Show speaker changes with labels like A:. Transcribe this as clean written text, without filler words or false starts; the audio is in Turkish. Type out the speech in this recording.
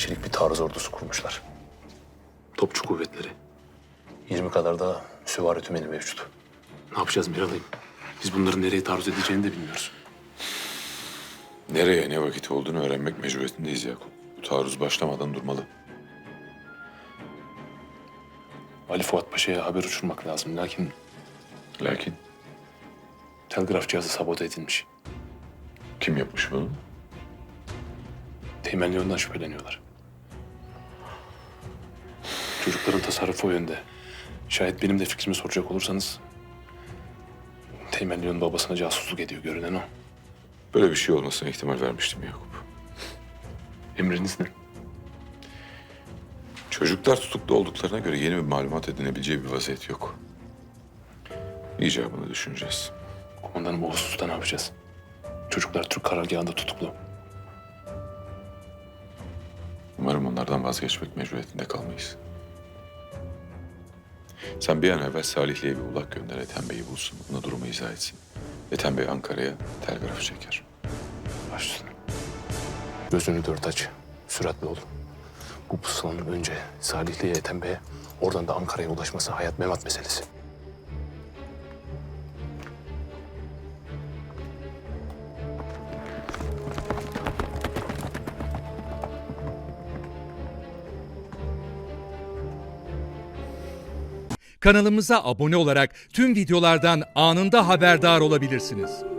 A: kişilik bir taarruz ordusu kurmuşlar.
B: Topçu kuvvetleri.
A: 20 kadar da süvari tümeni mevcut.
B: Ne yapacağız Miralay'ım? Biz bunların nereye taarruz edeceğini de bilmiyoruz.
C: Nereye ne vakit olduğunu öğrenmek mecburiyetindeyiz Yakup. Bu taarruz başlamadan durmalı.
B: Ali Fuat Paşa'ya haber uçurmak lazım.
C: Lakin
B: Telgraf cihazı sabote edilmiş.
C: kim yapmış bunu?
B: Teğmenli yönden şüpheleniyorlar. Çocukların tasarrufu o yönde. Şayet benim de fikrimi soracak olursanız... Teğmenli'nin babasına casusluk ediyor görünen o.
C: Böyle bir şey olmasına ihtimal vermiştim Yakup.
B: Emriniz ne?
C: Çocuklar tutuklu olduklarına göre yeni bir malumat edinebileceği bir vaziyet yok. İcabını düşüneceğiz.
B: Komutanım o hususta ne yapacağız? Çocuklar Türk karargahında tutuklu.
C: Umarım onlardan vazgeçmek mecburiyetinde kalmayız. Sen bir an evvel Salihli'ye bir ulak gönder, Ethem Bey'i bulsun. Ona durumu izah etsin. Ethem Bey Ankara'ya telgraf çeker.
B: Baş üstüne. Gözünü dört aç. Süratli ol. Bu pusulanın önce Salihli'ye, Ethem Bey'e, oradan da Ankara'ya ulaşması hayat memat meselesi.
D: Kanalımıza abone olarak tüm videolardan anında haberdar olabilirsiniz.